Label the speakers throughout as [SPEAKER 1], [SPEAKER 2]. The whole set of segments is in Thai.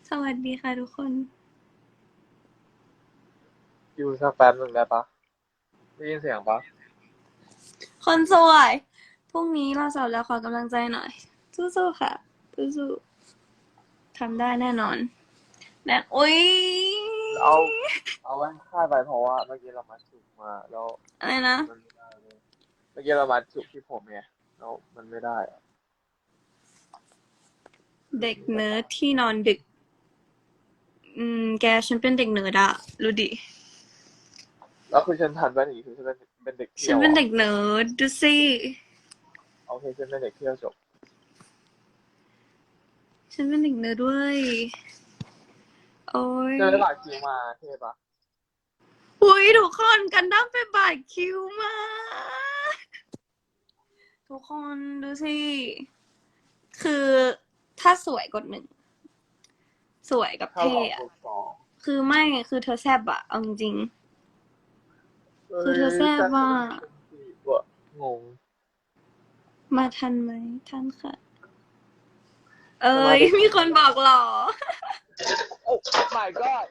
[SPEAKER 1] สวัสดีค่ะทุกคน
[SPEAKER 2] อยู่สักแป๊บหนึ่งได้ปะได้ยินเสียงปะ
[SPEAKER 1] คนสวย พรุ่งนี้เราสอบแล้วขอกำลังใจหน่อย สู้ๆค่ะสู้ๆทำได้แน่นอนแน่อุ๊ย
[SPEAKER 2] เอาเอาไว้ค่ายไปเพราะว่าเมื่อกี้เรามาจุกมาแล้ว
[SPEAKER 1] อะไรนะ
[SPEAKER 2] มันไม่ได้เลยเมื่อกี้เรามาจุกที่ผมไงแล้วมันไม่ได้อะ
[SPEAKER 1] เด็กเนิร์ดที่นอนดึก แกฉันเป็นเด็กเนิร์ดอะรู้ดิ
[SPEAKER 2] แล้วคือฉันทันไปหนีคือฉันเป็นเด็ก
[SPEAKER 1] ฉัน
[SPEAKER 2] เที่ยวเหรอ
[SPEAKER 1] เป็นเด็กเนิร์ดดูสิ
[SPEAKER 2] โอเคฉันเป็นเด็กเที่ยวจบ
[SPEAKER 1] ฉันเป็นเด็กเนิร์ดด้วยโอ้ย
[SPEAKER 2] เจอได้บัตรคิวมาเท่ปะ
[SPEAKER 1] อุ้ยทุกคนกันดั้มเป็นบาดคิวมาก ทุกคนดูสิ คือถ้าสวยกดหนึ่ง สวยกับ
[SPEAKER 2] ถ้า
[SPEAKER 1] เท่
[SPEAKER 2] สอง
[SPEAKER 1] อะ
[SPEAKER 2] บวกสอง
[SPEAKER 1] คือไม่ คือเธอแซบอะเอาจริงๆ
[SPEAKER 2] เฮ้
[SPEAKER 1] คือเธอแซ
[SPEAKER 2] ยแต่ฉัน
[SPEAKER 1] บว่า
[SPEAKER 2] เป็นสี่บวกงง
[SPEAKER 1] มาทันไหมทันค่ะ เอ้ย
[SPEAKER 2] จะมาได้
[SPEAKER 1] มีคนบอกหรอ
[SPEAKER 2] โอ้ my god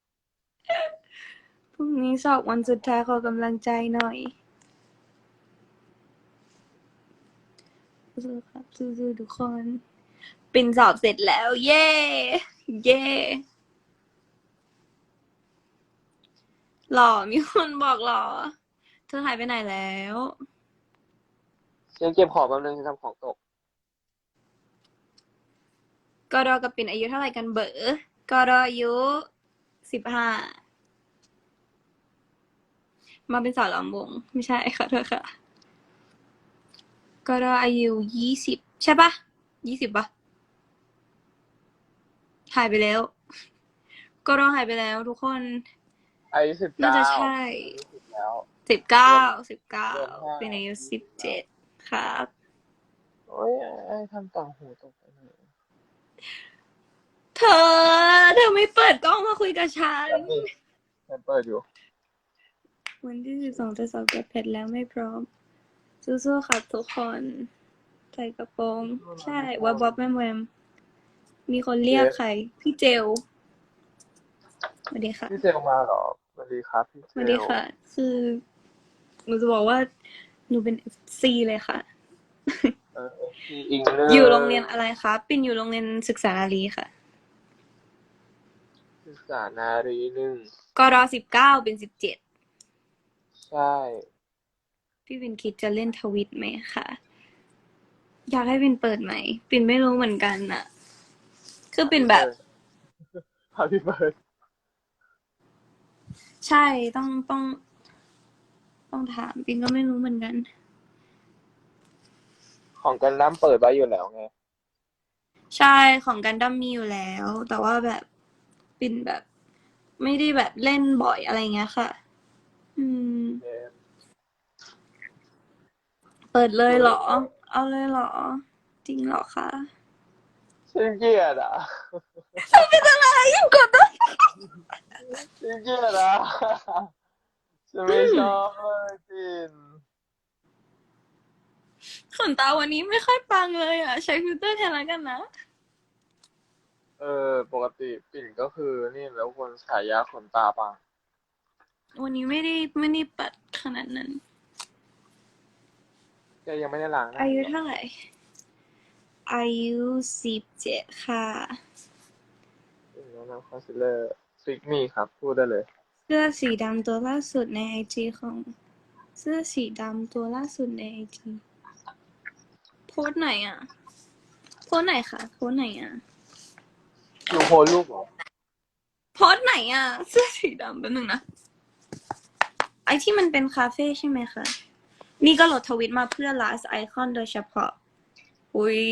[SPEAKER 1] พรุ่งนี้สอบวันสุดท้ายขอกำลังใจหน่อยสู้ๆครับสู้ๆทุกคน ปินสอบเสร็จแล้ว เย้ เย้ หล่อมีคนบอกหล่อ เธอหายไปไหนแล้ว
[SPEAKER 2] ฉันเก็บของแป๊บนึงฉันทำของตก
[SPEAKER 1] กอดอกับปิ่นอายุเท่าไหร่กันเบ๋อกอดออายุ15มาเป็นสาวลำวงไม่ใช่ค่ะเธอค่ะกอดออายุ20ใช่ปะ20ปะหายไปแล้วกอดอหายไปแล้วทุกคน
[SPEAKER 2] อายุสิบ
[SPEAKER 1] น่าจะ
[SPEAKER 2] เก้า
[SPEAKER 1] ใช่
[SPEAKER 2] อายุ10แล้ว
[SPEAKER 1] 19
[SPEAKER 2] เดือน
[SPEAKER 1] 19
[SPEAKER 2] เดือนห้า
[SPEAKER 1] เป็นอายุ
[SPEAKER 2] 20แล้ว
[SPEAKER 1] 17ครับ
[SPEAKER 2] โอ้ยไอ้ทำต่างหูตกไปเลย
[SPEAKER 1] เธอไม่เปิดกล้องมาคุยกับฉัน
[SPEAKER 2] แบบนี้ฉันเปิดอยู่
[SPEAKER 1] วันที่12จะสอบกับเพชรแล้วไม่พร้อมสู้ๆครับทุกคนใส่กระโปรงใช่วับวับแวมแวมมีคนเรียกใครพี่เจลสวัสดีค่ะ
[SPEAKER 2] พี่เซลมาเหรอสวัสดีครับพี่เซล
[SPEAKER 1] สวัสดีค่ะคือหนูจะบอกว่าหนูเป็น FC เลยค่ะ
[SPEAKER 2] พี่อิงเล
[SPEAKER 1] อยู่โรง
[SPEAKER 2] ย
[SPEAKER 1] เรียนอะไรคะปิ่นอยู่โรงเรียนศึกษาอารีค่ะ
[SPEAKER 2] ศึกษานารีหนึ่ง
[SPEAKER 1] กร19เป็น17
[SPEAKER 2] ใช่
[SPEAKER 1] พี่ปิ่นคิดจะเล่นทวิตไหมคะอยากให้ปิ่นเปิดไหมปิ่นไม่รู้เหมือนกันน่ะคือปิ่นแบบ
[SPEAKER 2] พี่เปิดพี่เปิด
[SPEAKER 1] ใช่ต้องถามปิ่นก็ไม่รู้เหมือนกัน
[SPEAKER 2] ของกันน้ำเปิดไว้อยู่แล้วไง
[SPEAKER 1] ใช่ของกันดั้มมีอยู่แล้วแต่ว่าแบบปิ่นแบบไม่ได้แบบเล่นบ่อยอะไรเงี้ยค่ะอืม
[SPEAKER 2] เกม
[SPEAKER 1] เปิดเลยเหรอ
[SPEAKER 2] เออ
[SPEAKER 1] เอาเลยเหรอจริงเหรอคะ
[SPEAKER 2] ฉันเกลียดอ่ะ
[SPEAKER 1] เป็นอะไรยังกดได้
[SPEAKER 2] ฉันเกลียดอ่ะฉันไม่ชอบเลยจิน
[SPEAKER 1] ขนตาวันนี้ไม่ค่อยปังเลยอ่ะใช้ฟิลเตอร์แทนแล้วกันนะ
[SPEAKER 2] ปกติปิ่นก็คือนี่แล้วคนฉายาขนตาปะ
[SPEAKER 1] วันนี้ไม่ได้ปัดขนาดนั้น
[SPEAKER 2] แกยังไม่ได้ล้างหน้า
[SPEAKER 1] อา
[SPEAKER 2] อีกเหรอ
[SPEAKER 1] ยุเท่าไหร่อายุ17ค่ะ
[SPEAKER 2] ปิ่นแนะนำคอนซีลเลอร์ฟิกมี่ครับพูดได้เลย
[SPEAKER 1] เสื้อสีดำตัวล่าสุดในไอจีของเสื้อสีดำตัวล่าสุดในไอจีโพสต์ไหนอ่ะโพสต์ไหนคะโพสต์ไหนอ่ะ
[SPEAKER 2] อยู่โพลรูปเหรอ
[SPEAKER 1] โพสต์ไหนอ่ะเสื้อสีดำแป๊บนึงนะไอที่มันเป็นคาเฟ่ใช่ไหมคะนี่ก็โหลดทวิตมาเพื่อ last icon โดยเฉพาะอุ้ย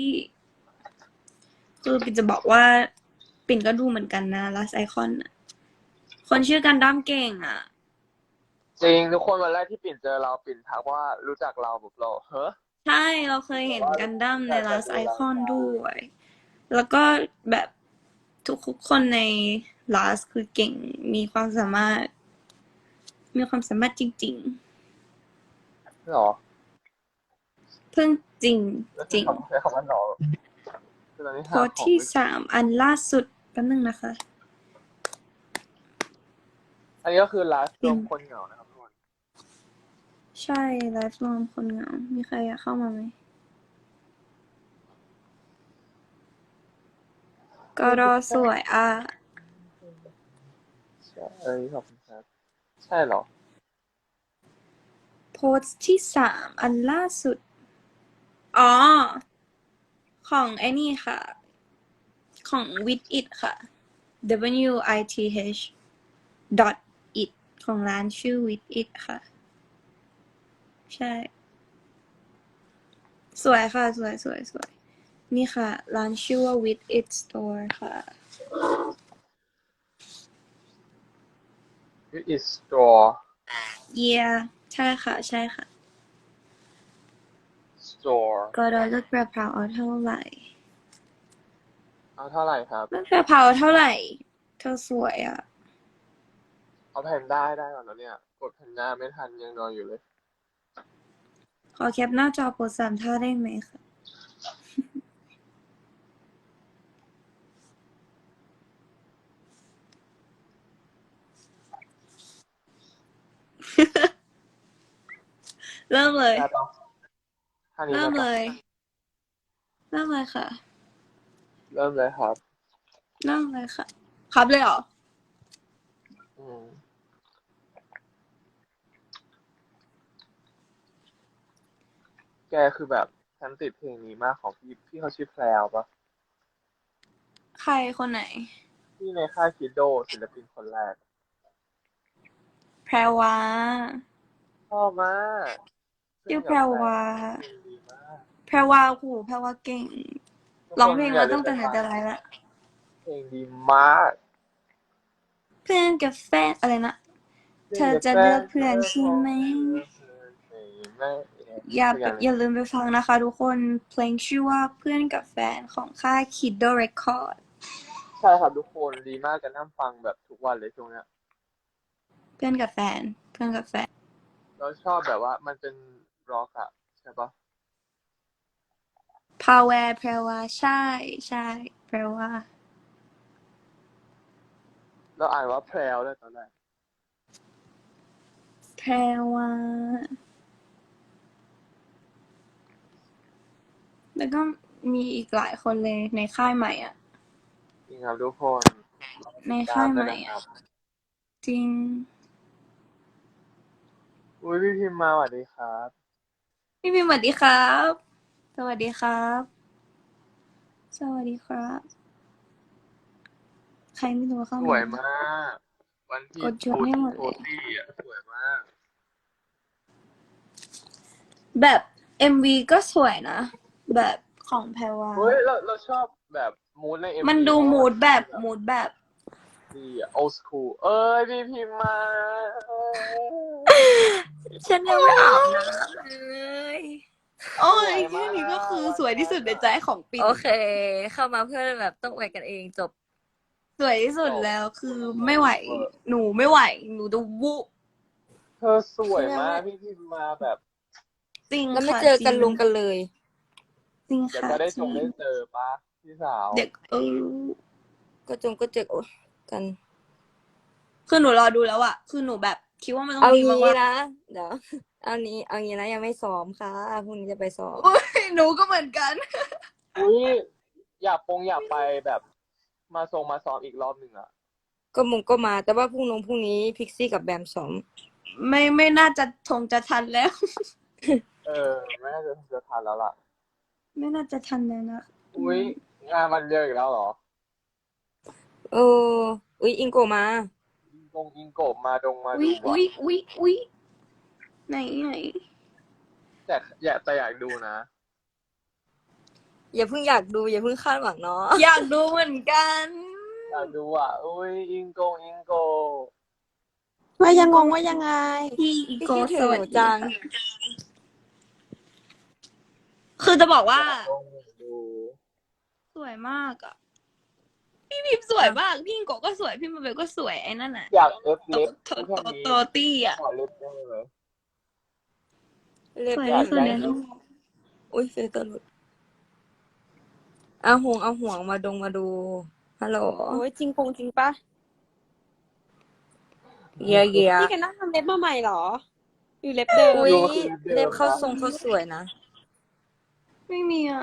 [SPEAKER 1] คือปิ่นจะบอกว่าปิ่นก็ดูเหมือนกันนะ last icon อะคนชื่อกันดั้มเก่งอ่ะ
[SPEAKER 2] จริงทุกคนวันแรกที่ปิ่นเจอเราปิ่นทักว่ารู้จักเราแบบเราเฮ้อ
[SPEAKER 1] ใช่เราเคย
[SPEAKER 2] แต่ว่า
[SPEAKER 1] เห็นกันดั้มใน
[SPEAKER 2] แต่
[SPEAKER 1] last
[SPEAKER 2] ดูราย
[SPEAKER 1] icon
[SPEAKER 2] การ
[SPEAKER 1] ด้วยแล้วก็แบบทุกคนใน last คือเก่งมีความสามารถมีความสามารถจริง
[SPEAKER 2] หรอ
[SPEAKER 1] ๆเพิ่งจริง
[SPEAKER 2] แล้ว
[SPEAKER 1] จริง
[SPEAKER 2] ใช้คำว่าหรอคือตอนนี้
[SPEAKER 1] โพ
[SPEAKER 2] หา
[SPEAKER 1] สต์ที่
[SPEAKER 2] ของไม่
[SPEAKER 1] 3อันล่าสุดแป๊บนึงนะคะ
[SPEAKER 2] อันนี้ก็คือไลฟ์รวมคนเหงานะครับทุกคน
[SPEAKER 1] ใช่ไลฟ์รวมคนเหงา มีใครอยากเข้ามาไหม ก็รอสวยอ่ะ
[SPEAKER 2] ใช่ขอบคุณครับใช่เหรอ
[SPEAKER 1] โพสต์ที่3 อันล่าสุด อ๋อ ของไอ้นี่ค่ะ ของ with it ค่ะ WITH dot it ของร้านชื่อ with it ค่ะ ใช่ สวยค่ะ สวยสวยสวย นี่ค่ะ ร้านชื่อว่า with it store ค่ะ
[SPEAKER 2] It is store
[SPEAKER 1] yeah ใช่ค่ะ ใช่ค่ะ
[SPEAKER 2] store
[SPEAKER 1] ก็รอเลือกกระเพราเอาเท่าไหร่
[SPEAKER 2] เอาเท่าไหร่ครับ
[SPEAKER 1] เลือกกระเพราเท่าไหร่ เธอสวยอ่ะ
[SPEAKER 2] เอาแพนด้าได้ก่อนแล้วเนี่ยกดแพนด้าไม่ทันยังนอนอยู่เลย
[SPEAKER 1] ขอแคปหน้าจอโพส3 ท่าได้ไหมคะ เริ่มเลย
[SPEAKER 2] ได้ปะท่านี้
[SPEAKER 1] เริ่
[SPEAKER 2] ได้
[SPEAKER 1] ม
[SPEAKER 2] ปะ
[SPEAKER 1] เลย เริ่มเลยค่ะ
[SPEAKER 2] เริ่มเลยครับ
[SPEAKER 1] เริ่มเลยค่ะ ครับเลยเหรอ
[SPEAKER 2] อืมแกคือแบบฉันติดเพลงนี้มากของพี่เขาชื่อแพรวปะ
[SPEAKER 1] ใครคนไหน
[SPEAKER 2] ที่ในค่ายคิดโดศิลปินคนแรก
[SPEAKER 1] แพรวา
[SPEAKER 2] ชอบมาก
[SPEAKER 1] ชื่อแพรวา
[SPEAKER 2] เพลงดีมาก
[SPEAKER 1] แพรวาโหแพรวาเก่ง
[SPEAKER 2] ทุก
[SPEAKER 1] ร้อง
[SPEAKER 2] คน
[SPEAKER 1] เพลง
[SPEAKER 2] อย่า
[SPEAKER 1] มา
[SPEAKER 2] ลื
[SPEAKER 1] ตั้
[SPEAKER 2] ม
[SPEAKER 1] ง
[SPEAKER 2] ไป
[SPEAKER 1] แต่ไหน
[SPEAKER 2] ฟัง
[SPEAKER 1] แต่ไรละ
[SPEAKER 2] เพลงดีมาก
[SPEAKER 1] เพื่อนกับแฟนอะไรนะ เธอจะเลือกเพื่อนใช่ไหม อย่าลืมไปฟังนะคะทุกคน เพลงชื่อว่าเพื่อนกับแฟนของค่าย Kiddo Record
[SPEAKER 2] ใช่ครับทุกคนดีมากจะนั่งฟังแบบทุกวันเลยช่วงเนี้ย
[SPEAKER 1] เพื่อนกับแฟน เพื่อนกับแฟน
[SPEAKER 2] เราชอบแบบว่ามันเป็นร็อกอะใช่ปะ
[SPEAKER 1] พาแวร์แพรวาใช่ใช่แพรวา
[SPEAKER 2] เราอ่านว่าแพรวเลยตอนแรก
[SPEAKER 1] แพรวา แล้วก็มีอีกหลายคนเลยในค่ายใหม่อ่ะ
[SPEAKER 2] จริงครับทุกคน
[SPEAKER 1] ใน
[SPEAKER 2] ตา
[SPEAKER 1] ค่าม ย
[SPEAKER 2] ด้
[SPEAKER 1] ให
[SPEAKER 2] วย
[SPEAKER 1] ม่
[SPEAKER 2] นะค
[SPEAKER 1] อ่ะ
[SPEAKER 2] รับ
[SPEAKER 1] จริง
[SPEAKER 2] อุ้ยพี่พิมพ์มาสวัสดีครับ
[SPEAKER 1] พี่พิมพ์สวัสดีครับ สวัสดีครับ สวัสดีครับ ใครไม่รู้เข้า
[SPEAKER 2] ส
[SPEAKER 1] มา
[SPEAKER 2] วยมาก วันที่
[SPEAKER 1] กดชวนให้หมด
[SPEAKER 2] โท
[SPEAKER 1] เลย
[SPEAKER 2] ตี้อะสวยมาก
[SPEAKER 1] แบบ MV ก็สวยนะ แบบของแพรวา
[SPEAKER 2] เฮ้ยเราชอบแบบมูดใน MV
[SPEAKER 1] มันดู
[SPEAKER 2] เพราะว่า
[SPEAKER 1] มูดแบบ
[SPEAKER 2] มัน
[SPEAKER 1] มูดแบบ
[SPEAKER 2] ดีอะ old school เอ้ยพี่พิมพ์มาเอ้ย
[SPEAKER 1] ฉันยังไม่อาบน้ำเลย โอ้
[SPEAKER 2] สวย
[SPEAKER 1] ย
[SPEAKER 2] มา
[SPEAKER 1] แค่นี้ก็คือ
[SPEAKER 2] ก
[SPEAKER 1] สวยที่สุดในใจของปิ่น
[SPEAKER 3] โอเค เข้ามาเพื่อแบบต้องอวยกันเองจบ
[SPEAKER 1] สวยที่สุด
[SPEAKER 2] จบ
[SPEAKER 1] แล้วคือไม่ไหว หนูไม่ไหว หนูจะวุ
[SPEAKER 2] เธอสวยมากพี่พิมพ์มาแบบ
[SPEAKER 1] จริง
[SPEAKER 3] แล้วไม่
[SPEAKER 1] ค่ะ
[SPEAKER 3] เจอ
[SPEAKER 1] จ
[SPEAKER 3] กัน
[SPEAKER 1] ริ
[SPEAKER 3] ลงกันเลย
[SPEAKER 1] จริง
[SPEAKER 2] เดี๋ยว
[SPEAKER 1] ค่ะ
[SPEAKER 2] ก็ได้
[SPEAKER 1] จ
[SPEAKER 2] จ
[SPEAKER 1] ริ
[SPEAKER 2] ง
[SPEAKER 1] ง
[SPEAKER 2] ได้เจอปะพี่สาว
[SPEAKER 1] เด็ก
[SPEAKER 3] ก็เจอโอ๊ยกัน
[SPEAKER 1] คือหนูรอดูแล้วอะคือหนูแบบคิดว่ามันต้อง
[SPEAKER 3] เอา
[SPEAKER 1] ดี
[SPEAKER 3] งี้
[SPEAKER 1] มาก
[SPEAKER 3] นะ เดี๋ยว เอางี้นะยังไม่ซ้อมค่ะพรุ่งนี้จะไปซ้อม
[SPEAKER 1] ๆอุ๊ยหนูก็เหมือนกัน
[SPEAKER 2] อุ้ยอยากไปแบบมาซ้อมอีกรอบหนึ่งอะ
[SPEAKER 3] ก็มา แต่ว่าพรุ่งนี้พิกซี่กับแบมซ้อม
[SPEAKER 1] ไม่น่าจะจะทันแล้ว
[SPEAKER 2] ไม่น่าจะทันแล้วล่ะ
[SPEAKER 1] ไม่น่าจะทันแล้วนะ
[SPEAKER 2] อุ้ยงานวันเดียวอีกแล้วเหรอ
[SPEAKER 3] เอออุ๊ยอิงโกมา
[SPEAKER 2] อิงโกะมาดู
[SPEAKER 1] อุ๊ย
[SPEAKER 2] อะ
[SPEAKER 1] อุ๊ยไหน
[SPEAKER 2] แต่อยากดูนะ
[SPEAKER 3] อย่าเพิ่งอยากดูอย่าเพิ่งคาดหวังเนาะ
[SPEAKER 1] อยากดูเหมือนกัน
[SPEAKER 2] อยากดูอ่ะอุ้ยอิงโกะ
[SPEAKER 3] ว่ายังงงว่ายังไง
[SPEAKER 1] พี่อีโก
[SPEAKER 3] พี่คิดถึ
[SPEAKER 1] ส
[SPEAKER 3] ง
[SPEAKER 1] วั
[SPEAKER 3] ห
[SPEAKER 1] ส
[SPEAKER 3] นู
[SPEAKER 1] ดี
[SPEAKER 3] จัง
[SPEAKER 1] ค่ะคือจะบอกว่า
[SPEAKER 2] อยากดู
[SPEAKER 1] สวยมากอะพี่พิมพ์สวยมาก พี่อิงโกก็สวย พี่มาเบลก็สวยไอ้นั่นน่ะ
[SPEAKER 2] อยากเอฟเล็บ
[SPEAKER 1] โต
[SPEAKER 2] แค่นี้
[SPEAKER 1] ตี้อะ
[SPEAKER 2] ขอเล็บได้ไหม
[SPEAKER 3] เล็บ
[SPEAKER 1] สวย
[SPEAKER 2] อยาก
[SPEAKER 1] ที่สุด
[SPEAKER 2] ได้
[SPEAKER 1] ในโลก
[SPEAKER 3] อุ้ยฟิลเตอร์หลุดเอาห่วงมาดูฮัลโหล
[SPEAKER 4] โอ้ยจริงจริงปะ
[SPEAKER 3] เยียเยีย
[SPEAKER 4] พี่กันนั่งทำเล็บมาใหม่เหรอหรือเล็บเดิม
[SPEAKER 3] อุ้ย
[SPEAKER 2] อยู่คือเดิ
[SPEAKER 3] เล็บ
[SPEAKER 2] ม
[SPEAKER 3] เขา
[SPEAKER 2] นะ
[SPEAKER 3] ทรงเขาสวยนะ
[SPEAKER 1] ไม่มีอ่ะ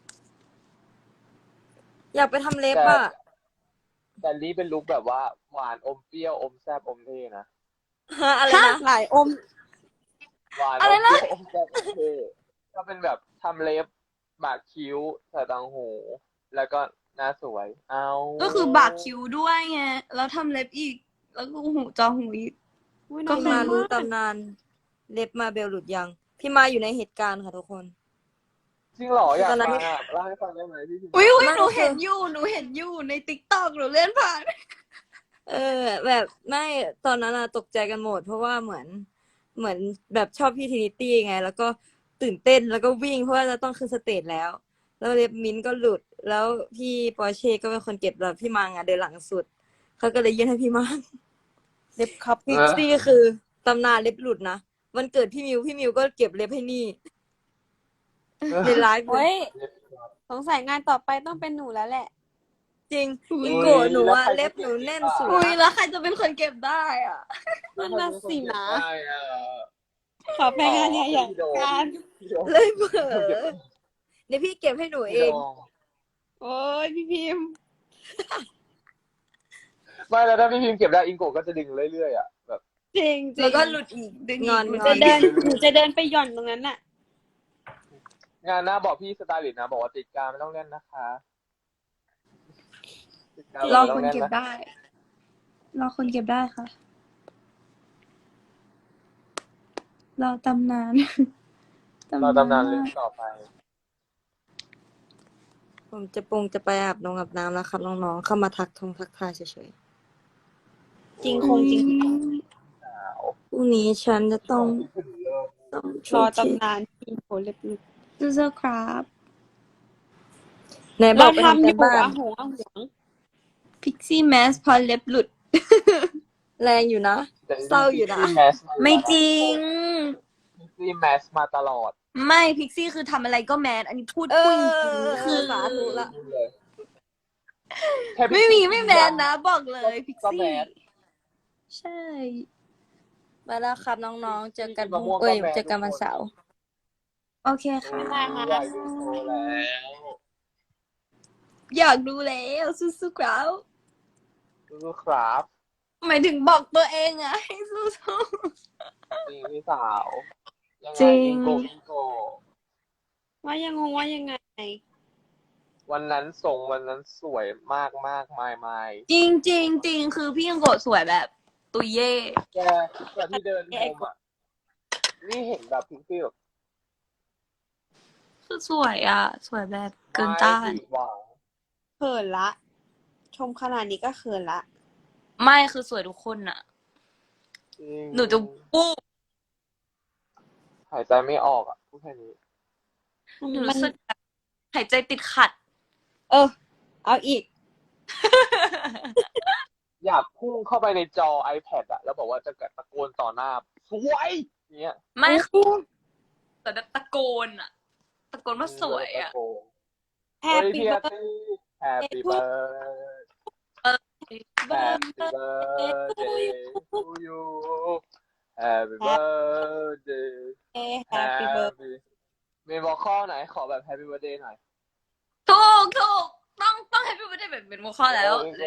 [SPEAKER 3] อยากไปทำเล็บ
[SPEAKER 2] แต่
[SPEAKER 3] อ่ะ
[SPEAKER 2] แต่นี้เป็นลุคแบบว่าหวานอมเปรี้ยวอมแซ่บอมเท่นะ
[SPEAKER 3] ฮะอะไรนะ
[SPEAKER 4] หลายอม
[SPEAKER 2] หวาน
[SPEAKER 1] อะ
[SPEAKER 2] อ
[SPEAKER 1] ไร
[SPEAKER 2] ม
[SPEAKER 1] นะ
[SPEAKER 2] เปรี้ยวอมแซ่บอมเท่ก็เป็นแบบทำเล็บหมากคิ้วใส่ต่างหู แล้วก็หน้าสวย เอา
[SPEAKER 1] ก็คือบากคิ้วด้วยไง แล้วทำเล็บอีก แล้วก็หูจอหูอีก
[SPEAKER 4] อุ๊ย
[SPEAKER 1] ก็
[SPEAKER 3] พี่
[SPEAKER 4] น้อง
[SPEAKER 3] มา
[SPEAKER 4] ๆ
[SPEAKER 3] รู้
[SPEAKER 4] มาก
[SPEAKER 3] ตำนานเล็บมาเบลหลุดยัง พี่มาอยู่ในเหตุการณ์ค่ะทุกคน
[SPEAKER 2] จริงเหรออยาก
[SPEAKER 3] ตอนนั้น
[SPEAKER 2] ฟังอ่ะเล่าให้ฟังได้ไหมพี่พิมพ์
[SPEAKER 1] อุ้ย
[SPEAKER 3] ไม่
[SPEAKER 1] หนู
[SPEAKER 3] คือ
[SPEAKER 1] เห็นอยู่ในติ๊กต็อกหนูเล่นผ่าน
[SPEAKER 3] แบบไม่ตอนนั้นอะตกใจกันหมด เพราะว่าเหมือนแบบชอบพี่ทรินิตี้ไง แล้วก็ตื่นเต้นแล้วก็วิ่งเพราะว่าจะต้องขึ้นสเตจแล้ว แล้วเล็บมิ้นท์ก็หลุด แล้วพี่ปอร์เช่ก็เป็นคนเก็บแล้วพี่มังอะเดินหลังสุดเขาก็เลยยื่นให้พี่มัง
[SPEAKER 4] เล็บคัพ
[SPEAKER 3] พิกซี่คือตำนานเล็บหลุดนะวันเกิดพี่มิวก็เก็บเล็บให้นี่ในไลฟ์เล
[SPEAKER 4] โอ้
[SPEAKER 3] ย
[SPEAKER 4] ยสงสัยงานต่อไปต้องเป็นหนูแล้วแหละ
[SPEAKER 3] จริง
[SPEAKER 1] อุ๊ย
[SPEAKER 3] อิงโกะหนูอะเล็บหนูแน่นสุด
[SPEAKER 1] อุ้ย
[SPEAKER 3] ละ
[SPEAKER 1] แล้วใครจะเป็นคนเก็บได้อ่ะ
[SPEAKER 4] นั่นน่ะสินะ
[SPEAKER 2] ได้อ่ะ
[SPEAKER 4] ขอไปงานใหญ่ๆกัน
[SPEAKER 2] พี่โดม
[SPEAKER 3] เลยเผลอเดี๋ยวพี่เก็บให้หนูเอ
[SPEAKER 2] พี่
[SPEAKER 3] ง
[SPEAKER 2] โดม
[SPEAKER 4] โอ้ยพี่พิมพ์
[SPEAKER 2] ไม่แล้วถ้าพี่พิมพ์เก็บได้อิงโกะก็จะดึงเรื่อยๆอ่ะแบบ
[SPEAKER 4] จริงจริ
[SPEAKER 1] แล้ว
[SPEAKER 4] ง
[SPEAKER 1] ก็หลุดอีกดึง
[SPEAKER 3] งอน
[SPEAKER 4] หนู
[SPEAKER 3] ง
[SPEAKER 4] จะ
[SPEAKER 3] อน
[SPEAKER 4] เดินหนูจะเดินไปหย่อนตรงนั้นน่ะ
[SPEAKER 2] งานหน้าบอกพี่สไตลิสต์นะบอกว่าติดกาวไม่ต้องเล่นนะคะติดกาว
[SPEAKER 1] รอ
[SPEAKER 2] ไม่ต้
[SPEAKER 1] ค
[SPEAKER 2] อง
[SPEAKER 1] น
[SPEAKER 2] เล่น
[SPEAKER 1] เก็บ
[SPEAKER 2] นะ
[SPEAKER 1] ได้ รอคนเก็บได้ค่ะ รอตำนาน
[SPEAKER 2] เราตำนานเรื่องต่อไป
[SPEAKER 3] ผมจะไปอาบน้ำแล้วครับน้องๆเข้ามาทักทายเฉย
[SPEAKER 4] จริงคงจริง
[SPEAKER 3] ๆพรุ่งนี้ฉันจะต้อง
[SPEAKER 4] รอตำนานพิมพ์โหเล็บหลุด
[SPEAKER 1] สู้ๆครับ
[SPEAKER 3] ไหนบ
[SPEAKER 4] เรา
[SPEAKER 3] อกไป
[SPEAKER 4] ทำ
[SPEAKER 3] ทำ
[SPEAKER 4] อ
[SPEAKER 3] กัน
[SPEAKER 4] ยู่
[SPEAKER 3] บ้าน
[SPEAKER 4] อะหงอะหวง
[SPEAKER 1] พิกซี่แมสพอเล็บหลุด
[SPEAKER 3] แรงอยู่นะ เศร้าอยู่นะ
[SPEAKER 1] ไม่จริง
[SPEAKER 2] พิกซี่แมสมาตลอด
[SPEAKER 1] ไม่พิกซี่คือทำอะไรก็แมน อันนี้พูด
[SPEAKER 3] เอ
[SPEAKER 1] พูด
[SPEAKER 3] อ
[SPEAKER 1] จริงๆคือ
[SPEAKER 3] สาธุละ
[SPEAKER 2] แค่
[SPEAKER 1] ไม่มีไม่แมนนะ บอกเลยพิก
[SPEAKER 2] ก็แม
[SPEAKER 1] ซี่
[SPEAKER 2] ส
[SPEAKER 1] ใช่
[SPEAKER 3] ไปแล้วครับน้องๆเจอกัน
[SPEAKER 2] มะม่วงก็แมน
[SPEAKER 3] เจอกัน
[SPEAKER 2] ทุกคน
[SPEAKER 3] วันเสาร์
[SPEAKER 1] โอเคค่ะ
[SPEAKER 2] อยากดูโชว์แล้ว
[SPEAKER 1] อยากดูแล้วสู้ๆครับ
[SPEAKER 2] สู้ๆครับ
[SPEAKER 1] หมายถึงบอกตัวเองอะให้สู้
[SPEAKER 2] จริงพี่สาวยังไง
[SPEAKER 1] จริง
[SPEAKER 2] อิงโก
[SPEAKER 4] ว่ายังงงว่ายังไง
[SPEAKER 2] วันนั้นสวยมากมากไม่
[SPEAKER 1] ๆจริงจริงจริงคือพี่ยังโกะสวยแบบ ตุยเย่
[SPEAKER 2] แกที่เดินชมอ่ะนี่เห็นแบบพิงซี่แบบ
[SPEAKER 1] คือสวยอะสวยแบบเกินต้าน
[SPEAKER 2] ไม่ผิดหวัง
[SPEAKER 4] เขินละ ชมขนาดนี้ก็เขินละ
[SPEAKER 1] ไม่คือสวยทุกคนอะ
[SPEAKER 2] จริง
[SPEAKER 1] หนูจะปู้
[SPEAKER 2] หายใจไม่ออกอ่ะพูดแค่นี้
[SPEAKER 1] หนูรู้สึกแบบหายใจติดขัด
[SPEAKER 4] เอาอีก
[SPEAKER 2] อยากพุ่งเข้าไปในจอ iPad อ่ะแล้วบอกว่าจะตะโกนต่อหน้าสวยเนี้ย
[SPEAKER 1] ไม่คือแต่แบบตะโกนอะตะโกนว่าสวยอะ
[SPEAKER 2] เฮ้ย
[SPEAKER 4] Happy
[SPEAKER 2] พี่อาร์
[SPEAKER 4] birthday
[SPEAKER 2] ตี้ Happy birthday to you Happy birthday
[SPEAKER 4] Happy birthday
[SPEAKER 2] มีบอกข้อไหนขอแบบ Happy birthday หน่อย
[SPEAKER 1] ถูกต้องให้พี่ไม่ได้แบบเป็นหัวข้อแล้ว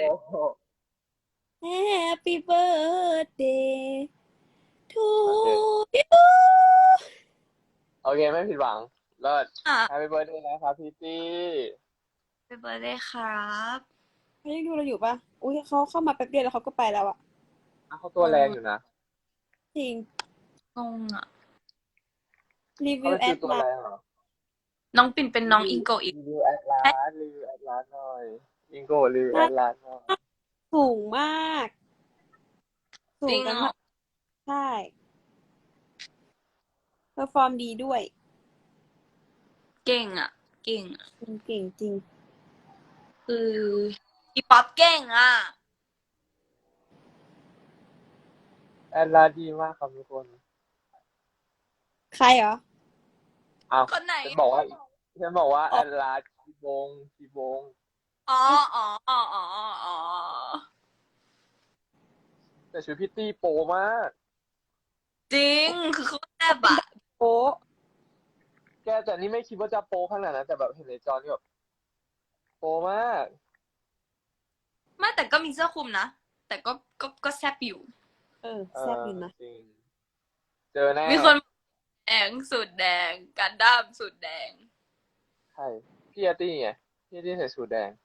[SPEAKER 4] Happy birthday to you
[SPEAKER 2] โอเคไม่ผิดหวังเลิศ
[SPEAKER 1] อ่ะ
[SPEAKER 2] Happy birthday นะครับพี่ตี้
[SPEAKER 1] เป็นเบอร์ได้ครับ
[SPEAKER 4] เขายังดูเราอยู่ปะอุ้ยเขาเข้ามาแป๊บเดียวแล้วเขาก็ไปแล้วอะ
[SPEAKER 2] เขาตัวแรงอยู่นะ
[SPEAKER 4] จริง
[SPEAKER 1] งงอะ
[SPEAKER 4] รี
[SPEAKER 2] เขา
[SPEAKER 4] วิว
[SPEAKER 2] เป็น
[SPEAKER 4] แอ
[SPEAKER 2] คือ
[SPEAKER 4] ด
[SPEAKER 2] ตัว
[SPEAKER 4] ไล
[SPEAKER 2] แร
[SPEAKER 4] น์
[SPEAKER 2] งเหรอ
[SPEAKER 1] น้องปิ่นเป็นน้องอิงโกะอีก
[SPEAKER 2] รีวิวแอดลาสหน่อยอิงโกรีวิวแอดลาสหน่อย
[SPEAKER 4] สูงมาก สู
[SPEAKER 1] จริ
[SPEAKER 4] ง
[SPEAKER 1] ง
[SPEAKER 4] กัน
[SPEAKER 1] เหรอ
[SPEAKER 4] มากใช่เพอร์ฟอร์มดีด้วย
[SPEAKER 1] เก่งอะ
[SPEAKER 4] เก่งจริง
[SPEAKER 1] คืออีป๊อปเก่งอะ
[SPEAKER 2] แอดลาสดีมากครับทุกคน
[SPEAKER 4] ใครเหรอ
[SPEAKER 2] อ้าว
[SPEAKER 1] คนไหน
[SPEAKER 2] ฉันบอกว่าแอดลาสคีบง
[SPEAKER 5] อ๋ออ๋ออ๋ออ๋ออ๋อ
[SPEAKER 2] แต่ชุดพิตตี้โปมาก
[SPEAKER 5] จริง คือเขาแซ่บอะ
[SPEAKER 4] โป๊ะ
[SPEAKER 2] แกแต่นี่ไม่คิดว่าจะโปขนาดนั้นแต่แบบเห็นในจอนี่แบบโปมาก
[SPEAKER 5] ไม่แต่ก็มีเสื้อคลุมนะ แต่ก็แซ่บอยู่
[SPEAKER 2] เอ
[SPEAKER 4] แซ่บ
[SPEAKER 2] อ
[SPEAKER 4] อยู่นะ
[SPEAKER 2] จริง เจอแน่
[SPEAKER 5] มีคนแดงสูตรแดงกันดั้มสูตรแดง
[SPEAKER 2] ใช่พี่อาร์ตี้ไงพี่อาร์ตี้ใส่สูทแดง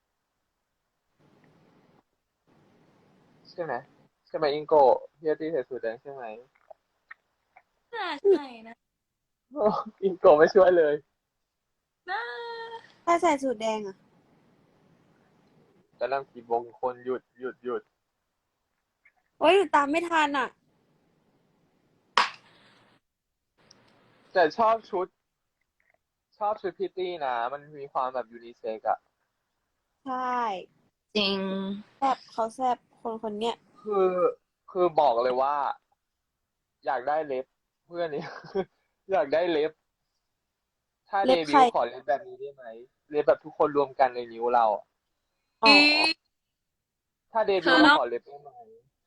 [SPEAKER 2] ใช่ไหมใช่ไหมอิงโกะพี่อาร์ตี้ใส่สูทแดงใช่ไหม
[SPEAKER 5] น่าใช่นะ
[SPEAKER 2] โอ้อิงโกะไม่ช่วยเลย
[SPEAKER 5] น่า
[SPEAKER 4] ถ้าใส่สูทแดงอะ
[SPEAKER 2] แต่นั่งกี่วงคนหยุด
[SPEAKER 4] โอ้ยหนูตามไม่ทันอ่ะ
[SPEAKER 2] แต่ชอบชุดพิตตี้นะ มันมีความแบบยูนิเซ็กอะ
[SPEAKER 4] ใช่
[SPEAKER 5] จริง
[SPEAKER 4] แซ่บเขาแซ่บคนเนี้ย
[SPEAKER 2] คือคือบอกเลยว่า อยากได้เล็บเพื่อนนี่ อยากได้เล็บ ถ้าเด
[SPEAKER 4] เล็บ
[SPEAKER 2] บิ
[SPEAKER 4] ใคร
[SPEAKER 2] วต์ขอเล็บแบบนี้ได้ไหมเล็บแบบทุกคนรวมกันในนิ้วเราอะ
[SPEAKER 4] อ๋อ
[SPEAKER 2] ถ้าเด
[SPEAKER 5] เธ
[SPEAKER 2] บิว
[SPEAKER 5] อ
[SPEAKER 2] ต์เรา
[SPEAKER 5] ต้อง
[SPEAKER 2] ขอเล็บได้ไหม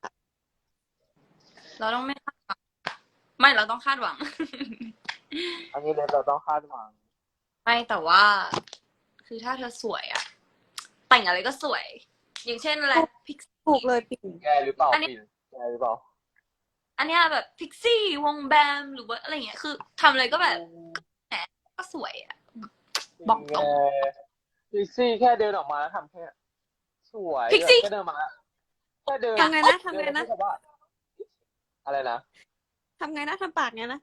[SPEAKER 5] เราต้องไม่คาดหวังไม่เราต้องคาดหวัง
[SPEAKER 2] อันนี้เล็บเราต้องคาดหวัง
[SPEAKER 5] ไม่แต่ว่า คือถ้าเธอสวยอะแต่งอะไรก็สวย อย่างเช่นอะไรพิก
[SPEAKER 4] ถูกเลยปิ่น
[SPEAKER 2] แกหรือเปล่า
[SPEAKER 5] อันนี้
[SPEAKER 2] ปิ่นแกหรือเปล่า
[SPEAKER 5] อันเนี้ยแบบพิกซี่วงแบมหรือว่าอะไรเงี้ยคือทำอะไรก็แบบแหมก็สวยอะ บอกตรง
[SPEAKER 2] พิกซี่แค่เดินออกมาแล้วทำแค่สวย
[SPEAKER 5] พิกซี่
[SPEAKER 2] แค่เดินมาแค่เดิน
[SPEAKER 4] ทำไงนะทำไงนะ
[SPEAKER 2] เดินแล้วพูดว่าอะไรนะ
[SPEAKER 4] ทำไงนะทำปากเนี้ยนะ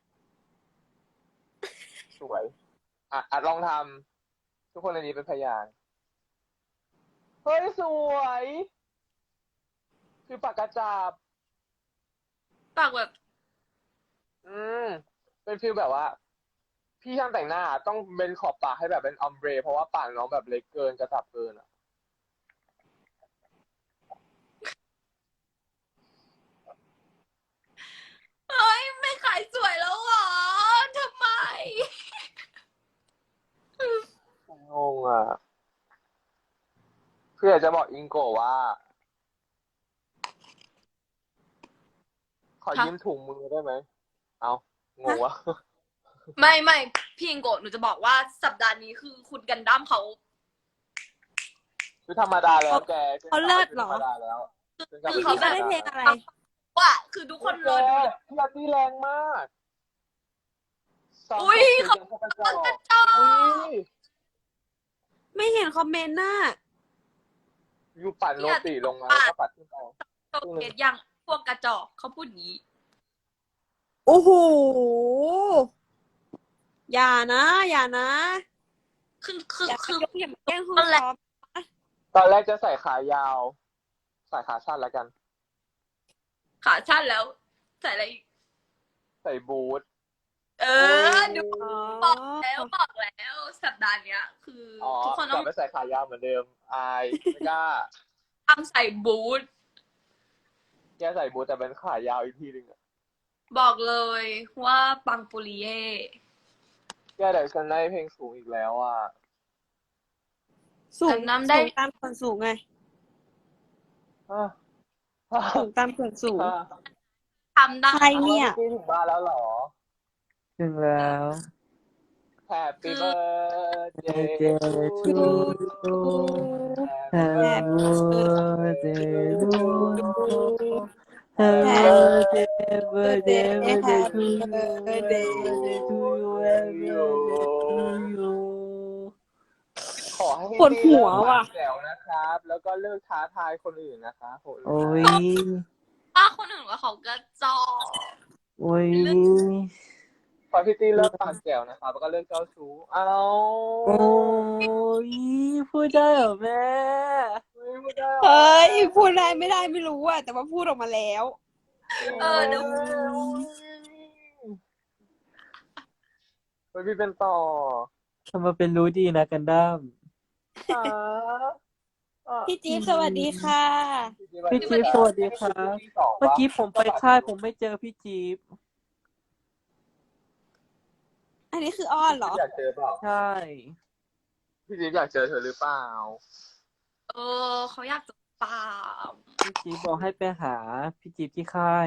[SPEAKER 2] สวยอ่ะลองทำทุกคนในนี้เป็นพยานเฮ้ยสวยคือปากกาจับ
[SPEAKER 5] ปากแบบ
[SPEAKER 2] อืมเป็นฟีลแบบว่า พี่ช่างแต่งหน้าต้องเป็นขอบปากให้แบบเป็นออมเบรเพราะว่าปากน้องแบบเล็กเกินกระจับเกินอ่ะ
[SPEAKER 5] เฮ้ยไม่ขายสวยแล้วเหรอทำไม
[SPEAKER 2] งงอ่ะคืออยากจะบอกอิงโกะว่า ขอ
[SPEAKER 5] ฮะ
[SPEAKER 2] ยืมถุงมือได้ไหม เอางงวะ
[SPEAKER 5] ไม่พี่อิงโกะหนูจะบอกว่าสัปดาห์นี้คือคุณกันดั้มเขา
[SPEAKER 2] คือธรรมดาแล้วแก
[SPEAKER 4] เขาเลิศเหรอ
[SPEAKER 2] ธรรมดาแล้ว
[SPEAKER 5] คือ
[SPEAKER 4] เขาได้เพลงอะไร
[SPEAKER 5] ว่าคือทุกคน
[SPEAKER 2] แก
[SPEAKER 5] รอดู
[SPEAKER 2] พี่อาร์ตี้แรงมากสอง
[SPEAKER 5] อุ๊ย
[SPEAKER 2] คน
[SPEAKER 5] เขา
[SPEAKER 2] กระจอก
[SPEAKER 5] กระจอก
[SPEAKER 2] อุ้ย
[SPEAKER 4] ไม่เห็นคอมเมนต์น่ะ
[SPEAKER 2] อยู่ปั่นโรตีลงมาแล้วก็ปัดขึ้นไป
[SPEAKER 5] โตเกตยังพวกกระจอกเขาพูดอย่างนี้
[SPEAKER 4] โอ้โห อย่านะ อย่านะ
[SPEAKER 5] คือ
[SPEAKER 4] อย่า
[SPEAKER 5] คือ
[SPEAKER 4] ยกอย่ามาแกล้งคุณ
[SPEAKER 5] นั่นแหละ
[SPEAKER 4] ซ้อม
[SPEAKER 2] ตอนแรกจะใส่ขายาว ใส่ขาสั้นแล้วกัน
[SPEAKER 5] ขาสั้นแล้ว ใส่อะไรอีก
[SPEAKER 2] ใส่บูท
[SPEAKER 5] เออดู
[SPEAKER 4] อ๋อ
[SPEAKER 5] บอกแล้วสัปดาห์เนี้ย คืออ
[SPEAKER 2] อ๋อ
[SPEAKER 5] ทุกคน
[SPEAKER 2] ก
[SPEAKER 5] ต้
[SPEAKER 2] ลั
[SPEAKER 5] อบ ง
[SPEAKER 2] ไปใส่ขายาวเหมือนเดิม อายไม่กล้า
[SPEAKER 5] ทำใส่บูท
[SPEAKER 2] แกใส่บูทแต่เป็นขายาวอีกทีหนึงอะ
[SPEAKER 5] บอกเลยว่าปังปุริเย่
[SPEAKER 2] แกเดี๋ยวฉันได้เพลงสูงอีกแล้วอ่ะ
[SPEAKER 4] สูง
[SPEAKER 5] น้ำได้
[SPEAKER 4] สูงตามส่วนสูงไง
[SPEAKER 2] อ่ะอ่ะ
[SPEAKER 4] สูงตามส่วนสูง
[SPEAKER 2] อ่ะ
[SPEAKER 5] ทำได้
[SPEAKER 4] ใครเนี่ย
[SPEAKER 2] อามื่อกี้ถึงบ้านแล้วเหรอ
[SPEAKER 6] ถึงแล้ว
[SPEAKER 2] Happy
[SPEAKER 5] คือ
[SPEAKER 2] birthday
[SPEAKER 6] Day
[SPEAKER 2] to
[SPEAKER 6] to
[SPEAKER 2] you
[SPEAKER 6] you
[SPEAKER 2] Happy
[SPEAKER 6] Happy
[SPEAKER 2] birthday to
[SPEAKER 6] birthday
[SPEAKER 2] you Happy
[SPEAKER 6] Happy birthday
[SPEAKER 2] birthday
[SPEAKER 6] to you
[SPEAKER 4] birthday
[SPEAKER 6] Happy birthday to you Happy birthday to you
[SPEAKER 2] ขอให้พี่
[SPEAKER 4] ปวดหัว
[SPEAKER 2] เลิก
[SPEAKER 4] ว่ะ
[SPEAKER 2] ปากแจ๋วนะครับ แล้วก็เลิกท้าทายคนอื่นนะคะโห
[SPEAKER 6] โอ้ย
[SPEAKER 5] ป้าคนอื่นว่าเขากระจอก
[SPEAKER 6] โอ้ย
[SPEAKER 2] ขอพี่ตี้เลิกปากแจ๋วนะครับ แล้วก็เลิกเจ้าชู้เอา
[SPEAKER 6] โอ้ยพูดได้เหรอแม่
[SPEAKER 2] ไม่ได้หรอ
[SPEAKER 4] เฮ้ย พูดได้ไม่ได้ไม่รู้อะแต่ว่าพูดออกมาแล้ว
[SPEAKER 5] เดี๋ยว
[SPEAKER 2] เฮ้ยพี่เป็นต่อ
[SPEAKER 6] ทำมาเป็นรู้ดีนะกันดั้ม
[SPEAKER 2] อ่าอ่ะ
[SPEAKER 4] พี่จี๊บสวัสดีค่ะ
[SPEAKER 6] พี่จี๊บสวัสดีครับ เมื่อกี้ผมไปค่ายผมไม่เจอพี่จี๊บ
[SPEAKER 4] อันนี้คืออ้อนเหรอ
[SPEAKER 2] อยากเจอเปล่า
[SPEAKER 6] ใช่
[SPEAKER 2] พี่จิ๊บอยากเจอเธอหรือเปล่า
[SPEAKER 5] เขาอยากจะตาม
[SPEAKER 6] พี่จี๊บบอกให้ไปหาพี่จี๊บที่ค่าย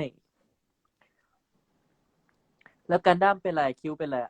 [SPEAKER 6] แล้วกันดั้มเป็นไรคิ้วเป็นไรอะ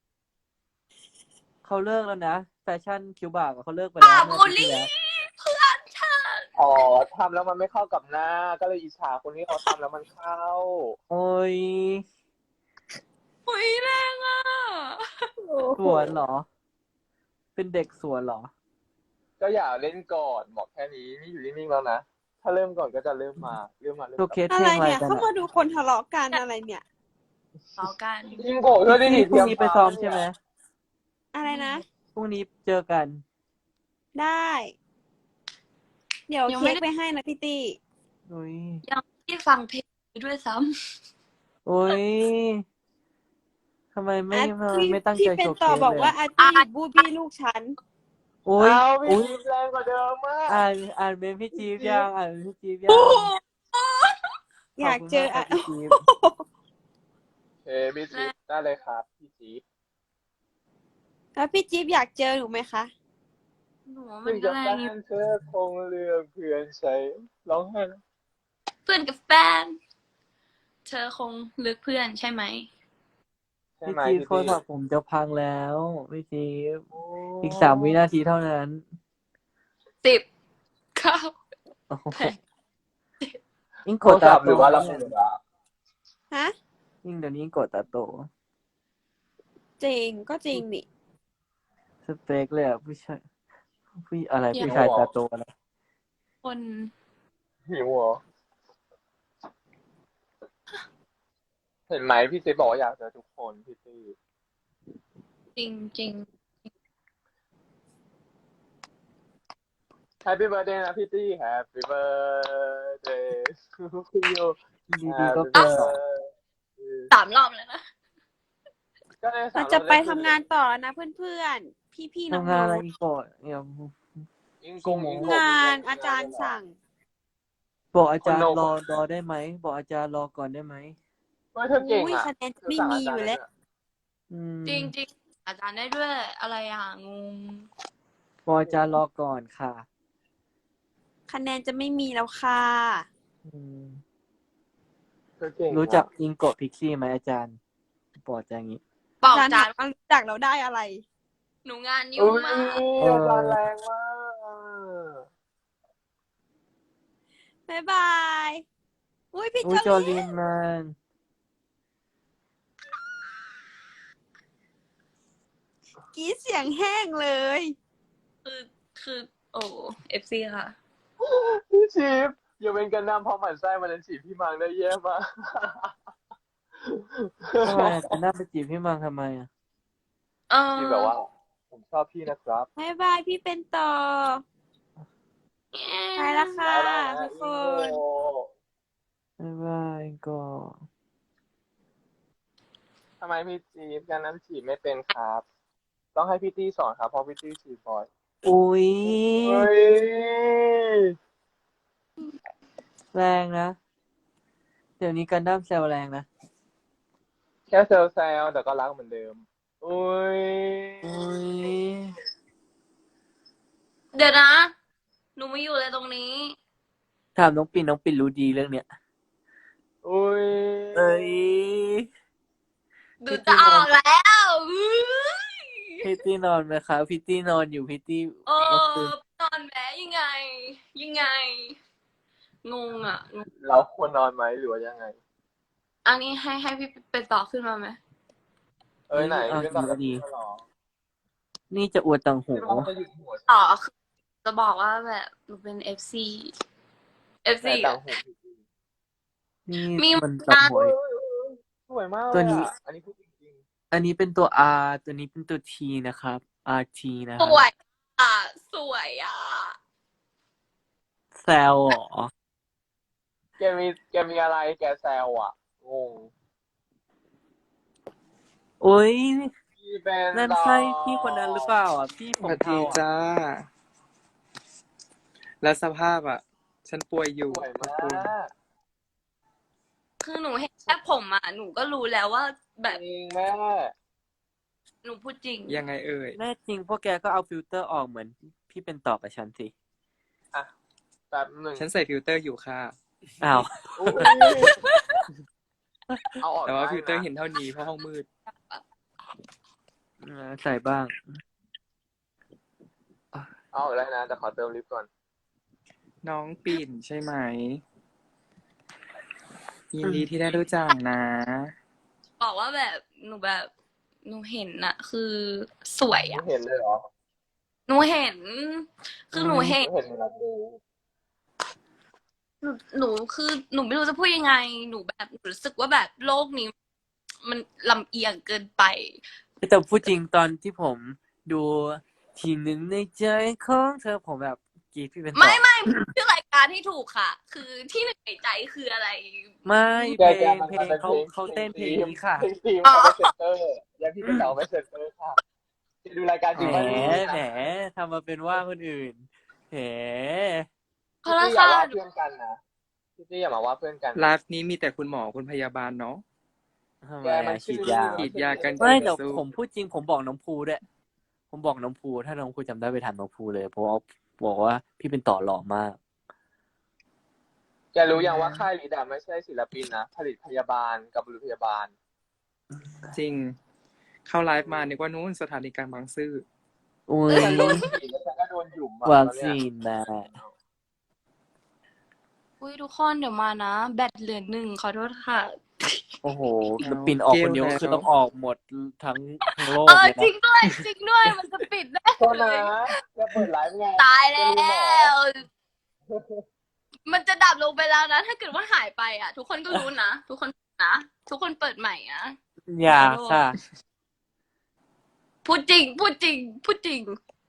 [SPEAKER 6] เขาเลิกแล้วนะแฟชั่นคิ้วบากอะเขาเลิกไปแล้วเมื่อ
[SPEAKER 5] บู
[SPEAKER 6] อา
[SPEAKER 5] ล
[SPEAKER 6] ทิตย์ที่
[SPEAKER 5] ลี่
[SPEAKER 6] แล้ว
[SPEAKER 5] เพื่อนฉัน
[SPEAKER 2] อ๋อทำแล้วมันไม่เข้ากับหน้า ก็เลยอิจฉาคนที่เขาทำแล้วมันเข้า
[SPEAKER 6] โอ้ย
[SPEAKER 5] หุยแรงอ่ะ
[SPEAKER 6] สวนเหรอ เป็นเด็กสวนเหรอ
[SPEAKER 2] ก็อย่าเล่นก่อนบอกแค่นี้นี่อยู่นิ่งๆแล้วนะ ถ้าเริ่มก่อนก็จะเริ่ม
[SPEAKER 6] โช
[SPEAKER 2] กลับ
[SPEAKER 6] ว์เคส
[SPEAKER 4] อะ
[SPEAKER 6] เพล
[SPEAKER 4] ไรง
[SPEAKER 6] อะไร
[SPEAKER 4] เนี่ย
[SPEAKER 6] กัน
[SPEAKER 4] เข้า
[SPEAKER 6] อะ
[SPEAKER 4] มาดูคนทะเลาะกันอะไรเนี่ย
[SPEAKER 5] ต่อกัน
[SPEAKER 2] ยิงโกะช่วยได้ดิ
[SPEAKER 6] พรุ่งนี้ไปซ้อมใช่ไหม
[SPEAKER 4] อะไรนะ
[SPEAKER 6] พรุ่งนี้เจอกัน
[SPEAKER 4] ได้ เดี๋ยว
[SPEAKER 5] ยังไม่
[SPEAKER 4] เค้ก
[SPEAKER 5] ได้
[SPEAKER 4] ไปให้นะพี่ตี้
[SPEAKER 6] โอ้ย
[SPEAKER 5] ยังไม่ได้ฟังเพลงด้วยซ้
[SPEAKER 6] โอ้ยทำไมไม่
[SPEAKER 4] ที่
[SPEAKER 6] ไม่ตั้ง
[SPEAKER 4] ที่
[SPEAKER 6] ใจ
[SPEAKER 4] เป็
[SPEAKER 6] โช
[SPEAKER 4] น
[SPEAKER 6] ว์เค
[SPEAKER 4] ต่อ
[SPEAKER 6] ส
[SPEAKER 4] บอก
[SPEAKER 6] เลย
[SPEAKER 4] ว่า
[SPEAKER 6] อะ
[SPEAKER 4] อาร์ตี้บูบี้ลูกฉัน
[SPEAKER 6] โอ้ย
[SPEAKER 2] เอาพี่
[SPEAKER 6] โอ้ย
[SPEAKER 2] จี๊บแรงกว่าเดิมมาก
[SPEAKER 6] อ่านเป็นพี่จี๊บยังอ่านเป็นพี่จี๊บยัง
[SPEAKER 4] อยากเจอ
[SPEAKER 6] ขบคุณมากครับพี่จี๊บ
[SPEAKER 2] เฮ้พี่จี๊บได้เลยครับพี่จี๊บ
[SPEAKER 4] แล้วพี่จี๊บอยากเจอหนูไหมคะ
[SPEAKER 5] ำหนูมั
[SPEAKER 2] ถึ
[SPEAKER 5] น
[SPEAKER 2] ง
[SPEAKER 5] ก็
[SPEAKER 2] จะ
[SPEAKER 5] แร
[SPEAKER 2] แฟ
[SPEAKER 5] งอยู่
[SPEAKER 2] นเธอคงเลือกเพื่อนใช้ร้องไห้นะ
[SPEAKER 5] เพื่อนกับแฟน เธอคงเลือกเพื่อนใช่ไหม
[SPEAKER 2] ใช่
[SPEAKER 6] พี่
[SPEAKER 2] ไหม
[SPEAKER 6] จี๊บ
[SPEAKER 2] พี่
[SPEAKER 6] โทร
[SPEAKER 2] จี๊
[SPEAKER 6] ศัพ
[SPEAKER 2] บ
[SPEAKER 6] ท์ผมจะพังแล้วพี่จี๊บ
[SPEAKER 2] โอ้
[SPEAKER 6] อีก3 วินาทีเท่านั้น
[SPEAKER 5] 10 9
[SPEAKER 6] โอ้โห
[SPEAKER 5] 8
[SPEAKER 6] ยิ่ง
[SPEAKER 2] โท
[SPEAKER 6] ก
[SPEAKER 2] ร
[SPEAKER 6] ดตา
[SPEAKER 2] ศัพท์
[SPEAKER 6] โต
[SPEAKER 2] หรือว่าระ
[SPEAKER 6] เนี่
[SPEAKER 2] เบิ
[SPEAKER 6] ย
[SPEAKER 2] ดอ่ะ
[SPEAKER 4] ฮะ
[SPEAKER 6] ยิ่งเดี๋ยวนี้ยิ่งกดตาโต
[SPEAKER 4] จริง ก็จริงนี่
[SPEAKER 6] สเปคเลยอ่ะผู้ชายอะไร
[SPEAKER 5] เดี๋ยว
[SPEAKER 6] ผู้ชายตาโตนะ
[SPEAKER 5] คน
[SPEAKER 2] หิวเหรอ เห็นไหมพี่จี๊บบอกว่าอยากเจอทุกคนพี่จี๊บ
[SPEAKER 5] จริงจริง
[SPEAKER 2] Happy birthday นะพี่ตี้ Happy birthday to you
[SPEAKER 6] ดีๆก็
[SPEAKER 2] Happy
[SPEAKER 6] เกินหรอ
[SPEAKER 2] birthday
[SPEAKER 5] 3 รอบแล้วนะ
[SPEAKER 2] ก็เลย
[SPEAKER 4] เราจะไปทำงานต่อแล้วนะเพื่อนๆ พี่ๆน้
[SPEAKER 6] ทำงานอะไร
[SPEAKER 4] อง
[SPEAKER 6] อีกก่อนเนี่ย
[SPEAKER 2] อิงกงอิง
[SPEAKER 4] ๆ
[SPEAKER 2] กง
[SPEAKER 4] งานอาจารย์สั่ง
[SPEAKER 6] บอกอาจารย์
[SPEAKER 2] คนโน
[SPEAKER 6] รอได้ไหม บอกอาจารย์รอก่อนได้ไหม
[SPEAKER 2] เฮ้ยเธอเก่ง
[SPEAKER 4] อุ้ย
[SPEAKER 2] อ่ะ
[SPEAKER 4] คะแนน
[SPEAKER 2] เธอ
[SPEAKER 4] ไม่
[SPEAKER 2] สั่ง
[SPEAKER 4] มี
[SPEAKER 2] อา
[SPEAKER 4] อ
[SPEAKER 2] จาร
[SPEAKER 4] ยู่
[SPEAKER 2] ย์
[SPEAKER 4] แล้ว
[SPEAKER 2] เนี่ย
[SPEAKER 6] อืม
[SPEAKER 5] จริงจริงอาจารย์ได้ด้วยอะไรอ่ะงง
[SPEAKER 6] บอกอาจารย์รอก่อนค่ะ
[SPEAKER 4] คะแนนจะไม่มีแล้วค่ะ
[SPEAKER 6] อืม
[SPEAKER 2] เธอเก่ง
[SPEAKER 6] รู้จัก
[SPEAKER 2] อะ
[SPEAKER 6] อิงโกะพิกซี่ไหมอาจารย์บอกอาจารย์อย่างนี้
[SPEAKER 5] บอก
[SPEAKER 4] อาจารย์
[SPEAKER 5] อาจารย์
[SPEAKER 4] ถามว่ารู้จักเราได้อะไร
[SPEAKER 5] หนูงาน
[SPEAKER 2] อุ้
[SPEAKER 5] ยุ่ง
[SPEAKER 2] ย
[SPEAKER 5] มาก
[SPEAKER 2] อาจารย์แรงมากอะ
[SPEAKER 4] บ๊ายบาย อุ้ยพี่
[SPEAKER 6] อุ้ย
[SPEAKER 4] จ
[SPEAKER 6] จ
[SPEAKER 4] อ
[SPEAKER 6] อ
[SPEAKER 4] ลี
[SPEAKER 6] ลินมัน
[SPEAKER 4] กรีดเสียงแห้งเลย
[SPEAKER 5] คือโอ้FC ค่ะ
[SPEAKER 2] พี่ชิปอย่าเป็นกันนำเพราะหมั่นไส้มันนั้นจีบพี่มังได้แย่มาก
[SPEAKER 6] ทำไมจะน่าไปจีบพี่มังทำไมอ่ะ
[SPEAKER 2] ที่แบบว่า ผมชอบพี่นะครับ
[SPEAKER 4] บ๊ายบายพี่เป็นต่อ ไปแล้วค่ะ
[SPEAKER 2] ได้ๆ
[SPEAKER 4] ทุกคน
[SPEAKER 2] อิงโก
[SPEAKER 6] บ๊ายบายอิงโกะ
[SPEAKER 2] ทำไมพี่จีบกันนั้นจีบไม่เป็นครับ ต้องให้พี่ตี้สอนครับเพราะพี่ตี้จีบบ่อย
[SPEAKER 6] อุ้ย
[SPEAKER 2] เฮ้ย
[SPEAKER 6] แรงนะ เดี๋ยวนี้กันดั้มแซวแรงนะ
[SPEAKER 2] แค่เซลแซลแต่ก็รักเหมือนเดิม อุ้ย
[SPEAKER 6] อุ้ย
[SPEAKER 5] เดี๋ยวนะ หนูไม่อยู่เลยตรงนี้
[SPEAKER 6] ถามน้องปิ่นรู้ดีเรื่องเนี้ย
[SPEAKER 2] อุ้ย
[SPEAKER 6] เอ้ย
[SPEAKER 5] ดูจะออกแล้วอุ๊ย
[SPEAKER 6] พี่ตี้นอนไหมคะพี่ตี้นอนอยู่พี่ตี้
[SPEAKER 5] โอ้
[SPEAKER 6] เมื่อคืน
[SPEAKER 5] นอนแหมยังไง ยังไง งงอ่ะงง
[SPEAKER 2] เราควรนอนไหมหรือว่ายังไง
[SPEAKER 5] อันนี้ให้พี่เป็นต่อขึ้นมาไหม
[SPEAKER 2] เอ้ยไหน
[SPEAKER 6] เอา
[SPEAKER 2] พี่ต้อง
[SPEAKER 6] ดี
[SPEAKER 2] หรอ
[SPEAKER 6] นี่จะอวดต่างหู
[SPEAKER 2] พี่ต้องจะหยุดหัว
[SPEAKER 5] ต่อคือจะบอกว่าแบบหนูเป็น FC
[SPEAKER 2] แต่
[SPEAKER 5] อะ
[SPEAKER 2] ต่างหู
[SPEAKER 6] นี่
[SPEAKER 5] มี
[SPEAKER 6] มันต่างหู
[SPEAKER 2] สวยมาก
[SPEAKER 6] ตัวนี้
[SPEAKER 2] อันนี้พูดจริง
[SPEAKER 6] อันนี้เป็นตัว R ตัวนี้เป็นตัว T นะครับ RT นะค
[SPEAKER 5] ส
[SPEAKER 6] รับ
[SPEAKER 5] วยอ่ะ สวยอ่ะ
[SPEAKER 6] แซวเหรอ
[SPEAKER 2] ๆแกมีอะไรแกแซวอ่ะ งง
[SPEAKER 6] อุ้ย
[SPEAKER 2] พี่เป็น
[SPEAKER 6] นั่นใช่พี่คนนั้นหรือเปล่าอ่ะ พี่
[SPEAKER 7] ส
[SPEAKER 6] ผม
[SPEAKER 7] วัสดี
[SPEAKER 6] เทาอ่ะ
[SPEAKER 7] จ้า แล้วสภาพอ่ะ ฉันป่วยอยู่
[SPEAKER 2] สวย
[SPEAKER 7] ขอบ
[SPEAKER 2] มา
[SPEAKER 7] คุณ
[SPEAKER 2] ก
[SPEAKER 5] คือหนูเห็นแค่ผมอ่ะ หนูก็รู้แล้วว่าแบบ
[SPEAKER 2] จริงแม่
[SPEAKER 5] หนูพูดจริง
[SPEAKER 7] ยังไงเอ่ย
[SPEAKER 6] แน่จริงพวกแกก็เอาฟิลเตอร์ออกเหมือนพี่เป็นต่อกับฉันสิ
[SPEAKER 2] แป๊บหนึ่ง
[SPEAKER 7] ฉันใส่ฟิลเตอร์อยู่ค่ะ
[SPEAKER 6] อ้าว
[SPEAKER 2] อุ๊ยเอาออก
[SPEAKER 7] แต่ว่า
[SPEAKER 2] ได้
[SPEAKER 7] ฟิลเตอร์
[SPEAKER 2] นะ
[SPEAKER 7] เห็นเท่านี้เพราะห้องมืด
[SPEAKER 6] ใส่บ้าง
[SPEAKER 2] เอาออกได้นะแต่ขอเติมลิฟต์ก่อน
[SPEAKER 7] น้องปิ่นใช่ไหม ยินดีที่ได้รู้จักนะ
[SPEAKER 5] บอกว่าแบบหนูเห็นอะคือสวย
[SPEAKER 2] ไม่
[SPEAKER 5] อะ
[SPEAKER 2] เห็นเลยเหรอ
[SPEAKER 5] หนูเห็น คือหนูเห็น
[SPEAKER 2] ไม่เห็นเลยนะดู
[SPEAKER 5] หนูคือหนูไม่รู้จะพูดยังไง หนูรู้สึกว่าแบบโลกนี้ มันลำเอียงเกินไป
[SPEAKER 6] แต่พูดจริงตอนที่ผมดูทีหนึ่งในใจของเธอผมแบบกรีดพี่เป็นต่อ
[SPEAKER 5] ไม่ชื่อรายการที่ถูกค่ะ คือที่หนึ่งในใจคืออะไร
[SPEAKER 6] ไม่เพ
[SPEAKER 2] แก
[SPEAKER 6] ลง
[SPEAKER 2] มัน
[SPEAKER 6] เพลง
[SPEAKER 2] เป็น
[SPEAKER 6] เขาเต้นเพลงนี้ค่ะ
[SPEAKER 2] เพลงทีม
[SPEAKER 5] อ๋อ
[SPEAKER 2] เขาไม่เซ็นเตอร์ยังพี่เป็นเต๋าไม่เซ็นเตอร์ค่ะดูรายการจริง
[SPEAKER 6] แหม
[SPEAKER 2] มันดีนะ
[SPEAKER 6] แหมทำมาเป็นว่าคนอื่นแหม
[SPEAKER 5] เพราะ
[SPEAKER 2] พี่
[SPEAKER 5] รา
[SPEAKER 2] อย่า
[SPEAKER 5] คา
[SPEAKER 2] ว่าเพื่อนกันนะพี่อย่ามาว่าเพื่อนกัน
[SPEAKER 7] ไลฟ์นี้มีแต่คุณหมอคุณพยาบาลเนาะ
[SPEAKER 6] ทำไม
[SPEAKER 2] แกมัน
[SPEAKER 6] ฉีดยา
[SPEAKER 7] ฉีดยากัน
[SPEAKER 6] ไม่แต่
[SPEAKER 7] สู้
[SPEAKER 6] ผมพูดจริงผมบอกน้องภูด้วยผมบอกน้องภูถ้าน้องภูจำได้ไปถามน้องภูเลยเพราะว่าบอกว่าพี่เป็นต่อหล่อมาก
[SPEAKER 2] แกรู้ยังว่าค่ายลีดอะไม่ใช่ศิลปินนะผลิตพยาบาลกับบุรุษพยาบาล
[SPEAKER 7] จริง เข้าไลฟ์มานึกว่านู้นสถานีกลางบางซื่อ
[SPEAKER 6] อุ้ย
[SPEAKER 2] ฉันโดนฉีดแล้วฉันก็โดนหยุมอะ
[SPEAKER 6] วัค
[SPEAKER 2] ตอนเนี้
[SPEAKER 6] ซี
[SPEAKER 2] ย
[SPEAKER 6] นนะ
[SPEAKER 5] อุ้ยทุกคนเดี๋ยวมานะ แบตเหลือ1ขอโทษค่ะ
[SPEAKER 6] โอ้โห
[SPEAKER 7] เอา
[SPEAKER 6] ปิ่นออกคนเดียว
[SPEAKER 7] เกลแล้ว
[SPEAKER 6] คือต้องออกหมดทั้งโลก
[SPEAKER 5] เออ
[SPEAKER 6] เลย
[SPEAKER 5] จริ
[SPEAKER 6] นะ
[SPEAKER 5] งด้วยจริงด้วยมันจะปิดได้
[SPEAKER 2] โทษนะจะเปิดไลฟ์ไง
[SPEAKER 5] ตายแล้
[SPEAKER 2] จะมีหมอ
[SPEAKER 5] ว มันจะดับลงไปแล้วนะ ถ้าเกิดว่าหายไปอ่ะ ทุกคนก็รู้นะ ทุกคนนะทุกคนเปิดใหม่นะ
[SPEAKER 6] อย่าค่ะ
[SPEAKER 5] พูดจริง พูดจริง พูดจริง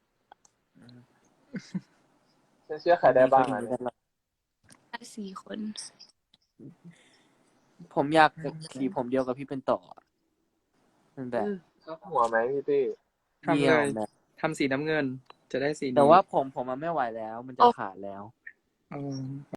[SPEAKER 2] ฉันเชื่อใครได้บ้างอะเนี่ย
[SPEAKER 5] 4 คน
[SPEAKER 6] ผมอยากสีผมเดียวกับพี่เป็นต่อมันแบบ
[SPEAKER 2] ชอบหัวไหมพี่ตี้
[SPEAKER 7] ทำ
[SPEAKER 6] เดี
[SPEAKER 7] เลย
[SPEAKER 6] วย แบบ
[SPEAKER 7] ทำสีน้ำเงิน จะได้สีนี้
[SPEAKER 6] แต่ว่าผมมันไม่ไหวแล้ว มันจะขาดแล้ว
[SPEAKER 7] อืม